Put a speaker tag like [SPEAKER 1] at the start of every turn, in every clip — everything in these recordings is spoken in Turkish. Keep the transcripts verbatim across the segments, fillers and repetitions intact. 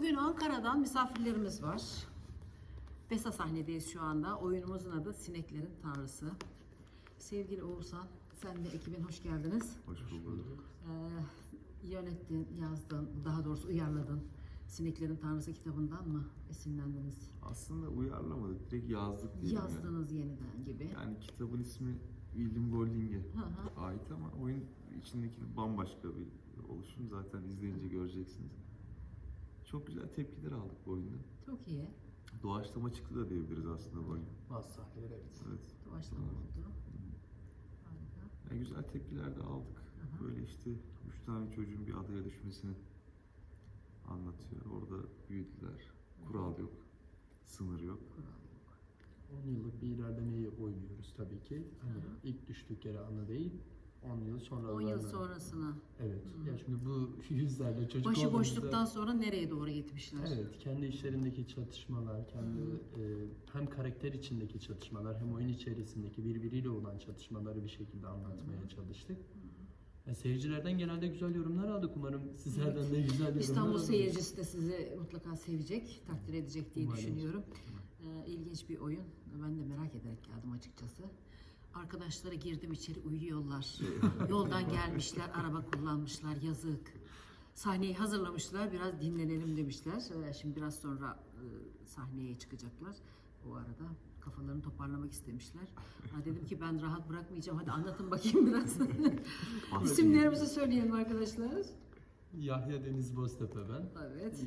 [SPEAKER 1] Bugün Ankara'dan misafirlerimiz var. Besa sahnedeyiz şu anda. Oyunumuzun adı Sineklerin Tanrısı. Sevgili Oğuzhan, sen de ekibin hoş geldiniz.
[SPEAKER 2] Hoş bulduk.
[SPEAKER 1] Ee, yönettin, yazdın, daha doğrusu uyarladın. Sineklerin Tanrısı kitabından mı esinlendiniz?
[SPEAKER 2] Aslında uyarlamadık, direkt yazdık diyelim.
[SPEAKER 1] Yazdınız yani. Yeniden gibi.
[SPEAKER 2] Yani kitabın ismi William Golding'e
[SPEAKER 1] Hı hı.
[SPEAKER 2] ait ama oyun içindeki bambaşka bir oluşum. Zaten izleyince göreceksiniz. Çok güzel tepkiler aldık bu oyunda.
[SPEAKER 1] Çok iyi.
[SPEAKER 2] Doğaçlama çıktı da diyebiliriz aslında bu oyun.
[SPEAKER 3] Bazı sahneler evet.
[SPEAKER 2] Evet.
[SPEAKER 1] Doğaçlama oldu. Harika.
[SPEAKER 2] Yani güzel tepkiler de aldık.
[SPEAKER 1] Hı hı.
[SPEAKER 2] Böyle işte üç tane çocuğun bir adaya düşmesini anlatıyor. Orada büyüdüler. Kural yok, sınır yok.
[SPEAKER 1] Kural yok.
[SPEAKER 3] on yıllık bir ilerlemeyi oynuyoruz tabii ki. Hani
[SPEAKER 1] Hı hı.
[SPEAKER 3] ilk düştük yere ana değil, on yıl sonra.
[SPEAKER 1] on yıl sonrasına.
[SPEAKER 3] Evet.
[SPEAKER 1] Hı.
[SPEAKER 3] Ya çünkü bu yüzlerle çocuk
[SPEAKER 1] Başı
[SPEAKER 3] olduğumuzda-
[SPEAKER 1] boşluktan sonra nereye doğru gitmişler?
[SPEAKER 3] Evet, kendi işlerindeki çatışmalar, kendi
[SPEAKER 1] Hı.
[SPEAKER 3] e, hem karakter içindeki çatışmalar hem oyun içerisindeki birbiriyle olan çatışmaları bir şekilde anlatmaya çalıştık. E, seyircilerden genelde güzel yorumlar aldık. Umarım sizlerden de güzel yorumlar
[SPEAKER 1] İstanbul
[SPEAKER 3] alırız.
[SPEAKER 1] seyircisi de sizi mutlaka sevecek, takdir edecek diye
[SPEAKER 3] Umarım.
[SPEAKER 1] düşünüyorum. Ee, ilginç bir oyun. Ben de merak ederek geldim açıkçası. Arkadaşlara girdim içeri uyuyorlar. Yoldan gelmişler, araba kullanmışlar, yazık. Sahneyi hazırlamışlar, biraz dinlenelim demişler. Ee, şimdi biraz sonra e, sahneye çıkacaklar. O arada kafalarını toparlamak istemişler. Ha, dedim ki ben rahat bırakmayacağım. Hadi anlatın bakayım biraz. İsimlerimizi söyleyelim arkadaşlar.
[SPEAKER 3] Yahya Deniz Boztepe ben.
[SPEAKER 1] Evet.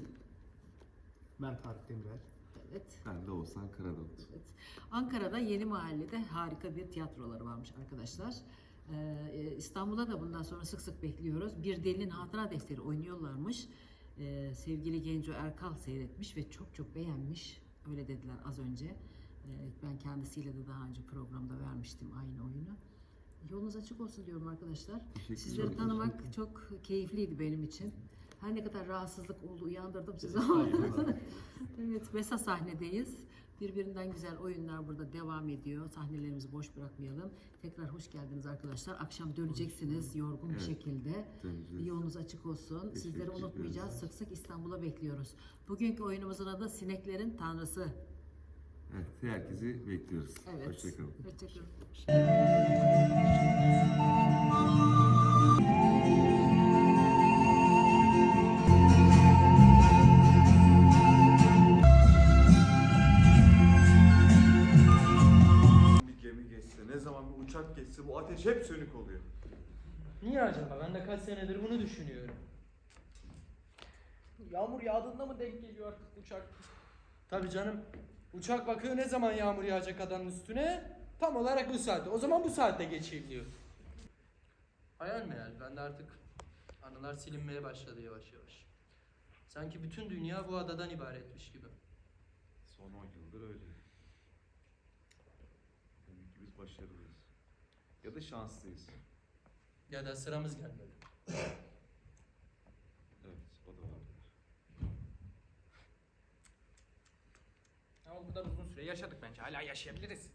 [SPEAKER 4] Ben Tarık Demirel.
[SPEAKER 1] Evet.
[SPEAKER 2] Ben de Oğuzhan Karadavut.
[SPEAKER 1] Evet. Ankara'da Yeni Mahalle'de harika bir tiyatroları varmış arkadaşlar. Ee, İstanbul'a da bundan sonra sık sık bekliyoruz. Bir Delinin Hatıra Defteri oynuyorlarmış. Ee, sevgili Genco Erkal seyretmiş ve çok çok beğenmiş. Öyle dediler az önce. Ee, ben kendisiyle de daha önce programda vermiştim aynı oyunu. Yolunuz açık olsun diyorum arkadaşlar.
[SPEAKER 2] Teşekkür
[SPEAKER 1] Sizleri
[SPEAKER 2] ederim.
[SPEAKER 1] tanımak çok keyifliydi benim için. Her ne kadar rahatsızlık oldu, uyandırdım sizi ama. Evet, Besa sahnedeyiz. Birbirinden güzel oyunlar burada devam ediyor. Sahnelerimizi boş bırakmayalım. Tekrar hoş geldiniz arkadaşlar. Akşam döneceksiniz yorgun bir
[SPEAKER 2] Evet,
[SPEAKER 1] şekilde.
[SPEAKER 2] döneceğiz.
[SPEAKER 1] Yolunuz açık olsun.
[SPEAKER 2] Teşekkür
[SPEAKER 1] Sizleri unutmayacağız.
[SPEAKER 2] ederiz.
[SPEAKER 1] Sık sık İstanbul'a bekliyoruz. Bugünkü oyunumuzun adı Sineklerin Tanrısı.
[SPEAKER 2] Evet, herkesi bekliyoruz.
[SPEAKER 1] Evet.
[SPEAKER 2] Hoşçakalın.
[SPEAKER 1] Hoşçakalın.
[SPEAKER 5] Bir gemi geçse, ne zaman bir uçak geçse bu ateş hep sönük oluyor.
[SPEAKER 6] Niye acaba? Ben de kaç senedir bunu düşünüyorum. Yağmur yağdığında mı denk geliyor artık uçak? Tabii canım. Uçak bakıyor ne zaman yağmur yağacak adanın üstüne? Tam olarak bu saatte. O zaman bu saatte geçiliyor. Hayal meyal. Ben de artık anılar silinmeye başladı yavaş yavaş. Sanki bütün dünya bu adadan ibaretmiş gibi.
[SPEAKER 2] Son on yıldır öyle. Demek ki biz başarılıyız. Ya da şanslıyız.
[SPEAKER 6] Ya da sıramız gelmedi.
[SPEAKER 2] Evet, o da var.
[SPEAKER 4] Ama bu kadar uzun süre yaşadık bence. Hala yaşayabiliriz.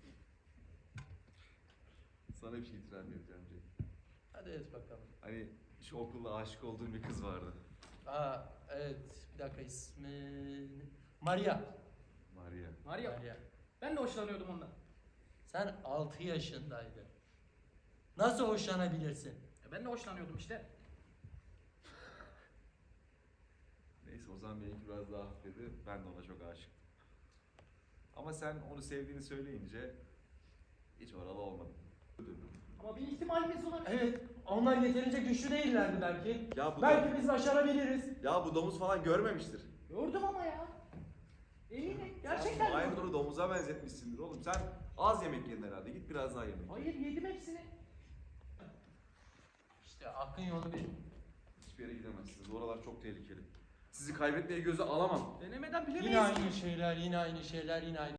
[SPEAKER 2] Sana bir şey itiraf edeceğim Cenk.
[SPEAKER 6] Hadi et bakalım.
[SPEAKER 2] Hani şu okulda aşık olduğum bir kız vardı.
[SPEAKER 6] Aa evet. Bir dakika ismi... Maria.
[SPEAKER 2] Maria.
[SPEAKER 4] Var ya,
[SPEAKER 6] Maria.
[SPEAKER 4] ben de hoşlanıyordum ondan.
[SPEAKER 6] Sen altı yaşındaydın. Nasıl hoşlanabilirsin?
[SPEAKER 4] E, Ben de hoşlanıyordum işte.
[SPEAKER 2] Neyse o zaman benimki biraz daha hafifledi. Ben de ona çok aşıktım. Ama sen onu sevdiğini söyleyince hiç oralı olmadım.
[SPEAKER 4] Ama bir ihtimalimiz var.
[SPEAKER 6] Evet, onlar yeterince güçlü değillerdi belki.
[SPEAKER 5] Ya bu
[SPEAKER 6] Belki biz başarabiliriz.
[SPEAKER 5] Ya bu domuz falan görmemiştir.
[SPEAKER 4] Gördüm ama ya. Eminim.
[SPEAKER 5] Sen
[SPEAKER 4] Gerçekten gördüm.
[SPEAKER 5] Maymunları domuza benzetmişsindir oğlum. Sen az yemek yedin herhalde. Git biraz daha yemek.
[SPEAKER 4] Hayır yedim hepsini.
[SPEAKER 6] İşte akın yolu bir.
[SPEAKER 5] Hiçbir yere gidemezsiniz. Oralar çok tehlikeli. Sizi kaybetmeye göze alamam.
[SPEAKER 4] Denemeden bilemeyiz.
[SPEAKER 6] Yine aynı şeyler, yine aynı şeyler, yine aynı